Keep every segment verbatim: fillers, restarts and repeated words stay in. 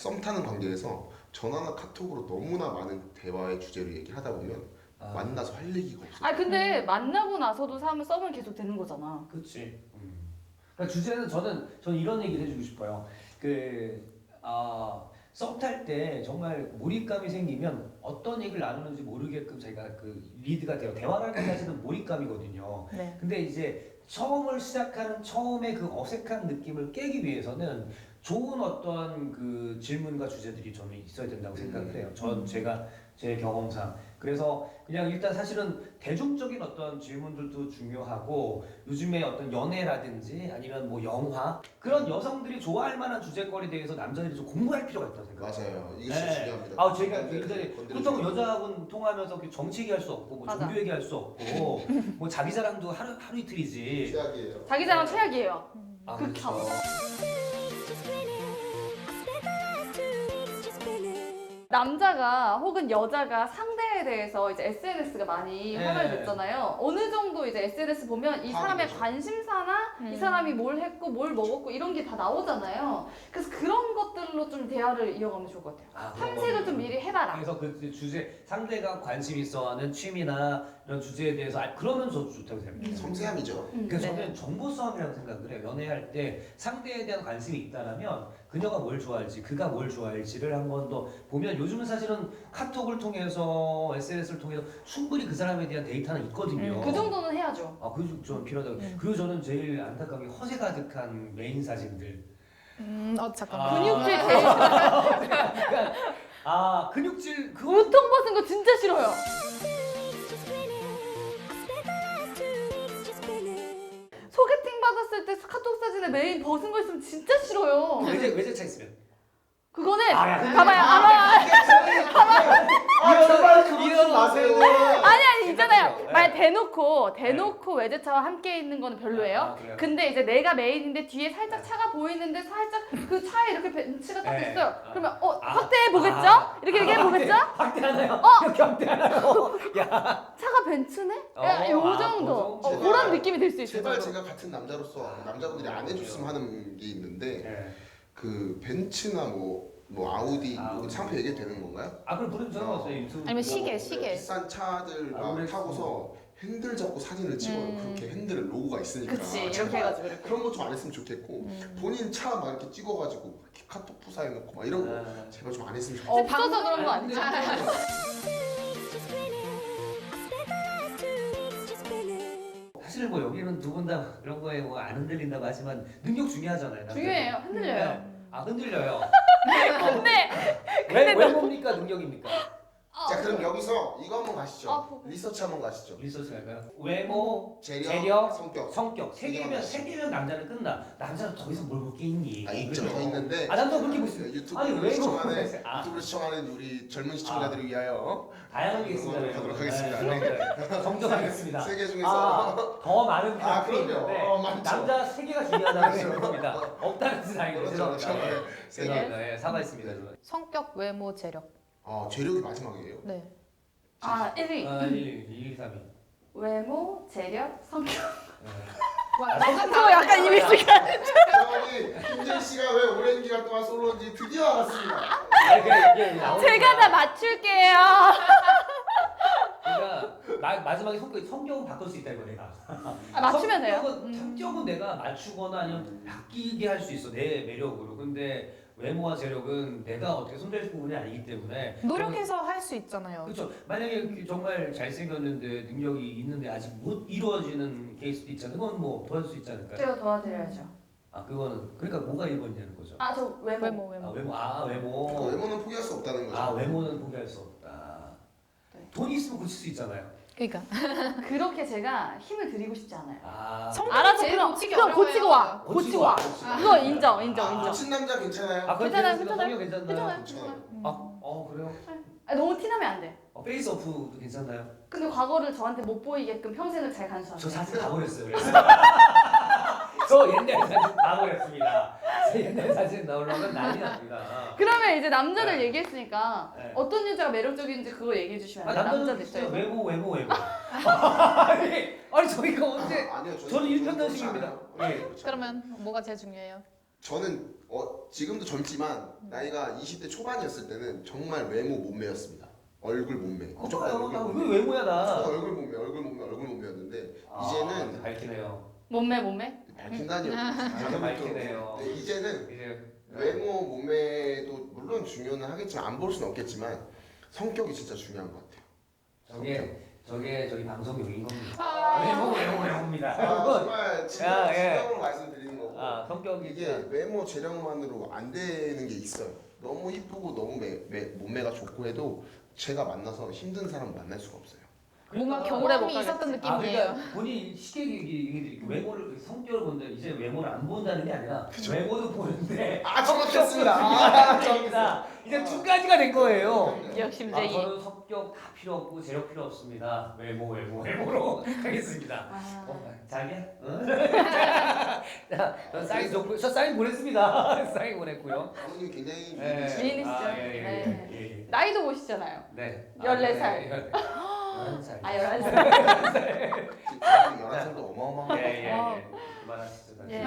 썸 타는 관계에서 전화나 카톡으로 너무나 많은 대화의 주제를 얘기하다 보면 아. 만나서 할 얘기가 없어. 아 근데 만나고 나서도 사람은 썸은 계속 되는 거잖아. 그렇지. 음. 그러니까 주제는 저는 저는 이런 얘기를 해주고 싶어요. 그 아. 썸 탈 때 정말 몰입감이 생기면 어떤 얘기를 나누는지 모르게끔 자기가 그 리드가 돼요. 대화라는 게 사실은 몰입감이거든요. 네. 근데 이제 처음을 시작하는 처음에 그 어색한 느낌을 깨기 위해서는 좋은 어떤 그 질문과 주제들이 저는 있어야 된다고 생각을 해요. 전 제가 제 경험상. 그래서 그냥 일단 사실은 대중적인 어떤 질문들도 중요하고 요즘에 어떤 연애라든지 아니면 뭐 영화 그런 여성들이 좋아할 만한 주제거리에 대해서 남자들이 좀 공부할 필요가 있다고 생각해요. 맞아요. 이게 진짜 네. 중요합니다. 아 제가 굉장히 건드리지 그렇다고 마세요. 여자하고는 통화하면서 이렇게 정치 얘기할 수 없고 뭐 맞아. 종교 얘기할 수 없고 뭐 자기 자랑도 하루 하루 이틀이지. 최악이에요. 자기 자랑 최악이에요. 아, 극혐. 그렇죠. 남자가 혹은 여자가 상대에 대해서 이제 에스엔에스가 많이 네. 화가 됐잖아요. 어느 정도 이제 에스엔에스 보면 이 사람의 화가 관심사나 이 음. 사람이 뭘 했고 뭘 먹었고 이런 게 다 나오잖아요. 그래서 그런 것들로 좀 대화를 이어가면 좋을 것 같아요. 아, 그런 탐색을 거는. 좀 미리 해봐라. 그래서 그 주제 상대가 관심 있어하는 취미나 이런 주제에 대해서 알- 그러면 저도 좋다고 생각해요. 섬세함이죠. 음. 그래서 네. 저는 정보 싸움이라고 생각을 해요. 연애할 때 상대에 대한 관심이 있다라면 그녀가 뭘 좋아할지, 그가 뭘 좋아할지를 한 번 더 보면 요즘은 사실은 카톡을 통해서 에스엔에스를 통해서 충분히 그 사람에 대한 데이터는 있거든요. 그 정도는 해야죠. 아, 그게 좀 필요하다고. 음. 그리고 저는 제일 안타까운 게 허세 가득한 메인 사진들. 음, 어 잠깐만. 아. 근육질 제일 싫어요. 아, 근육질 그거 우통 벗은 거 진짜 싫어요. 소개팅 받았을 때 카톡 사진에 메인 벗은 거 있으면 진짜 싫어요. 외제 외제차 있으면. 그거는 아, 야, 봐봐요. 아마 아 제발 그러지 이런 마세요. 아니 아니 있잖아요. 네. 말 대놓고 대놓고 외제차와 함께 있는 거는 별로예요. 아, 그래요? 근데 이제 내가 메인인데 뒤에 살짝 차가 보이는데 살짝 그 차에 이렇게 벤츠가 딱 네. 있어요. 아. 그러면 어 아. 확대해 보겠죠? 아. 이렇게 얘기해 아, 보겠죠? 확대, 확대하나요? 어? 이렇게 확대하나요? 야. 차가 벤츠네? 어, 야, 요 아, 정도. 그 어, 정도. 그런 느낌이 들 수 있어요. 제발 저도. 제가 같은 남자로서 남자분들이 안 해줬으면 하는 게 있는데 네. 그 벤츠나 뭐, 뭐 아우디 아, 뭐 상표 얘기 되는 건가요? 아 그럼 부르면 상관없어요. 유튜브. 아니면 시계, 뭐 시계. 비싼 차들 아, 막 그랬어. 타고서 핸들 잡고 사진을 찍어요. 음. 그렇게 핸들에 로고가 있으니까. 그치 이렇게 제발 해가지고 이렇게. 그런 거 좀 안 했으면 좋겠고 음. 본인 차 막 이렇게 찍어가지고 이렇게 카톡 푸사해놓고 막 이런 거 아. 제발 좀 안 했으면 좋겠어요. 없어서 그런 거 아니죠? 사실 뭐 여기는 두 분 다 그런 거에 뭐 안 흔들린다고 하지만 능력 중요하잖아요. 남자들. 중요해요. 흔들려요. 네. 아 흔들려요. 근데 왜, 왜 뭡니까 능력입니까? 자 그럼 여기서 이거 한번 가시죠. 아, 보고. 리서치 한번 가시죠. 리서치 할까요? 외모, 재력, 재력, 성격. 성격 세 개면 세 개면 남자는 끝나. 남자는 더 이상 뭘 볼 게 있니? 아 있죠. 그죠? 더 있는데 아 남자 그렇게 보시죠. 유튜브를 아니, 왜 시청하는 그거- 아. 유튜브를 시청하는 우리 젊은 시청자들을 위하여 다양하게 있습니다. 이거 가도록 하겠습니다. 네, 네. 정정하겠습니다. 세 개 중에서 아, 더 많은 아, 분들이 그럼요. 있는데 어, 많죠. 남자 세 개가 중요하다는 그렇죠. 생각입니다. 없다는 뜻은 아니고 그렇죠, 죄송합니다. 그렇죠. 네, 세 개. 죄송합니다. 예, 사과했습니다. 저는. 성격, 외모, 재력. 아 재력이 마지막이에요. 네. 아 일 위. 아, 일, 이, 삼, 이. 외모, 재력, 성격. 네. 와, 저 약간 이미지가. 저기 김진 씨가 왜 오랜 기간 동안 솔로인지 드디어 알았습니다. 아니, 그게 이게 나오니까. 제가 다 맞출게요. 그러니까 마, 마지막에 성격 성격은 바꿀 수 있다 이거 내가. 아, 맞추면 돼요. 성격은, 음. 성격은 내가 맞추거나 아니면 바뀌게 할 수 있어 내 매력으로. 근데 외모와 재력은 내가 어떻게 손댈 부분이 아니기 때문에. 노력해서 할 수 있잖아요. 그렇죠. 만약에 정말 잘생겼는데 능력이 있는데 아직 못 이루어지는 케이스도 있잖아요. 그건 뭐 도와줄 수 있지 않을까요? 제가 도와드려야죠. 아 그거는 그러니까 뭐가 일 번이냐는 거죠. 아 저 외모. 외모, 아 외모. 외모 아 그 외모. 외모는 포기할 수 없다는 거죠. 아 외모는 포기할 수 없다. 네. 돈 있으면 고칠 수 있잖아요. 그러니까. 그렇게 제가 힘을 드리고 싶지 않아요. 아 성격이 알아서 제일 그럼 고치기 그럼 고치고 와. 고치고 고치고 와, 와. 고치고 와. 그거 인정 인정 아, 인정. 고친 남자 괜찮아요. 아, 그럼 괜찮아요, 괜찮아요. 괜찮아요. 성격 괜찮나요? 괜찮아요. 괜찮아요. 괜찮아요. 아, 어 그래요? 아, 너무 티나면 안 돼. 어, 페이스 오프도 괜찮나요? 근데 과거를 저한테 못 보이게끔 평생을 잘 저 간수하세요. 사진 다 버렸어요. 그래서 저 옛날 사진 다 버렸습니다. 제 옛날 사진 나오려면 난리 납니다. 그러면 이제 남자들 네. 얘기했으니까 네. 어떤 여자가 매력적인지 그거 얘기해 주시면 아, 안 돼요? 남자들 남자들 진짜 입장에서. 외모 외모 외모. 아니, 아니 저희가 언제? 아, 아니요. 저는 일편단식입니다. 그렇지 않아요. 예. 그렇지 않아요. 그러면 뭐가 제일 중요해요? 저는 어, 지금도 젊지만 나이가 이십 대 초반이었을 때는 정말 외모 몸매였습니다. 얼굴 몸매. 무조건 어, 얼굴 나 몸매. 왜 외모야 무조건 나? 얼굴 몸매, 얼굴 몸매, 얼굴 몸매였는데 아, 이제는 밝히네요. 몸매 몸매? 밝힌다니요. 이제 밝히네요. 네, 이제는 이제 외모 몸매도 물론 중요는 하겠지만 안 볼 수는 없겠지만 성격이 진짜 중요한 것 같아요. 저게 저게 저기 방송용인 겁니다. 아. 외모 외모 외모입니다. 아, 여러분. 정말 진짜 야, 예. 진정으로 말씀드리는 거고 아 성격이 이게 외모 재량만으로 안 되는 게 있어요. 너무 이쁘고 너무 매, 매, 몸매가 좋고 해도 제가 만나서 힘든 사람 만날 수가 없어요. 뭔가 그러니까 오래 못 경험이 있었던 가겠지. 아 느낌이에요. 그러니까 본인 쉽게 얘기 외모를 성격을 본다 이제 외모를 안 본다는 게 아니라 외모도 보는데 아 정확했습니다. 아, 아, 정확합니다. 이제 두 가지가 된 거예요. 아, 욕심쟁이. 저는 성격 다 필요 없고 재력 필요 없습니다. 외모 외모 외모로 하겠습니다. 아. 어, 자기야? 응? 자, 저 사인 좋고 저 사인 보냈습니다. 사인 보냈고요. 아버님 굉장히 예. 미인이시죠? 미인이시죠? 아, 예, 예, 네. 예, 예, 예. 나이도 보시잖아요. 네. 열네 살. 열한 살. 아 열한 살. 지금 열한 살도 어마어마한 예, 예, 어. 예. 그만하시죠. 예.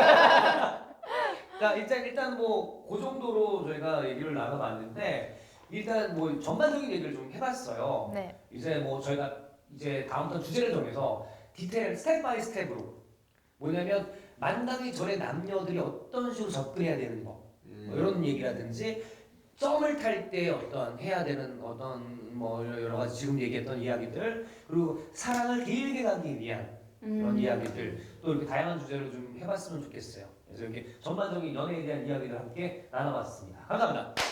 자, 일단 일단 뭐 그 정도로 저희가 얘기를 나눠봤는데 일단 뭐 전반적인 얘기를 좀 해봤어요. 네. 이제 뭐 저희가 이제 다음부터 주제를 정해서 디테일 스텝 바이 스텝으로 뭐냐면 만나기 전에 남녀들이 어떤 식으로 접근해야 되는 거 뭐 이런 얘기라든지 썸을 탈 때 어떤 해야 되는 어떤 뭐 여러 가지 지금 얘기했던 이야기들 그리고 사랑을 길게 가기 위한 그런 음. 이야기들 또 이렇게 다양한 주제로 좀 해봤으면 좋겠어요. 그래서 이렇게 전반적인 연애에 대한 이야기를 함께 나눠봤습니다. 감사합니다.